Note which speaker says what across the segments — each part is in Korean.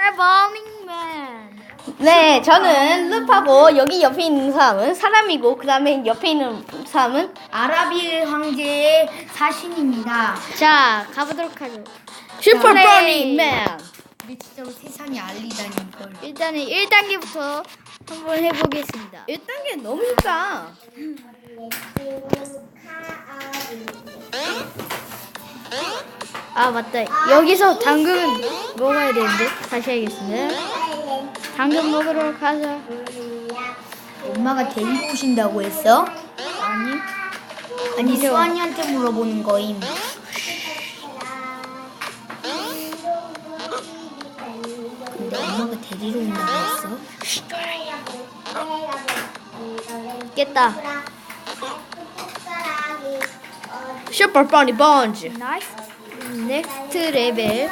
Speaker 1: 버닝맨.
Speaker 2: 네, 저는 룹하고 여기 옆에 있는 사람은 사람이고 그 다음에 옆에 있는 사람은
Speaker 1: 아라비 황제의 사신입니다.
Speaker 3: 자, 가보도록 하죠.
Speaker 2: 슈퍼
Speaker 3: 네.
Speaker 2: 버닝맨.
Speaker 1: 우리 진짜 세상에 알리다니 이걸.
Speaker 3: 일단은 1단계부터 한번 해보겠습니다.
Speaker 2: 1단계 너무 쉽다.
Speaker 3: 아, 맞다. 여기서 당근 먹어야 되는데. 다시 하겠습니다. 당근 먹으러 가자.
Speaker 1: 엄마가 데리고 오신다고 했어?
Speaker 3: 아니.
Speaker 1: 아니 수환이한테 물어보는 거임. 근데 엄마가 데리러 온다고 했어?
Speaker 3: 깼다.
Speaker 2: 슈퍼 버니 번지.
Speaker 3: 나이스. 넥스트 레벨.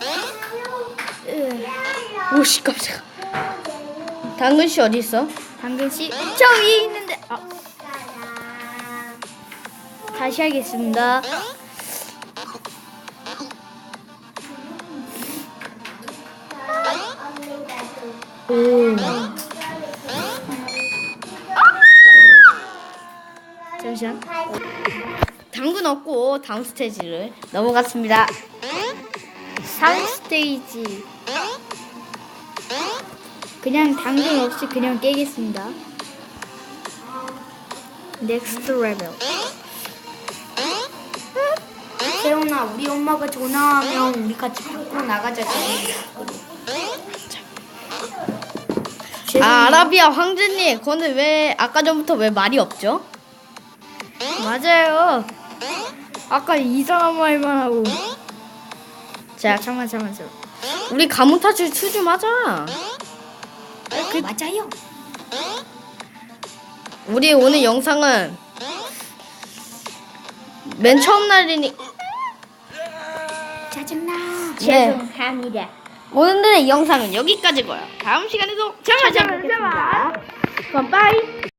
Speaker 2: 오씨 깜짝아. 당근씨 어디 있어?
Speaker 3: 당근씨 저 위에 있는데. 아. 다시 하겠습니다.
Speaker 2: 오.
Speaker 3: 잠시만.
Speaker 2: 당근 없고 다음 스테이지를 넘어갔습니다.
Speaker 3: 3스테이지. 그냥 당근 없이 그냥 깨겠습니다. 넥스트 레벨.
Speaker 1: 세훈아 우리 엄마가 전화하면 우리 같이 밖으로 나가자.
Speaker 2: 아, 아라비아 황제님, 근데 왜 아까 전부터 왜 말이 없죠?
Speaker 3: 맞아요. 아까 이상한 말만 하고.
Speaker 2: 자,
Speaker 3: 잠깐만.
Speaker 2: 우리 가문 탈출 2 좀 하자.
Speaker 1: 맞아요.
Speaker 2: 우리 오늘 영상은 맨 처음 날이니
Speaker 1: 짜증나.
Speaker 2: 네.
Speaker 3: 죄송합니다.
Speaker 2: 오늘의 영상은 여기까지고요. 다음 시간에도 찾아뵙겠습니다.
Speaker 3: 그럼 빠이.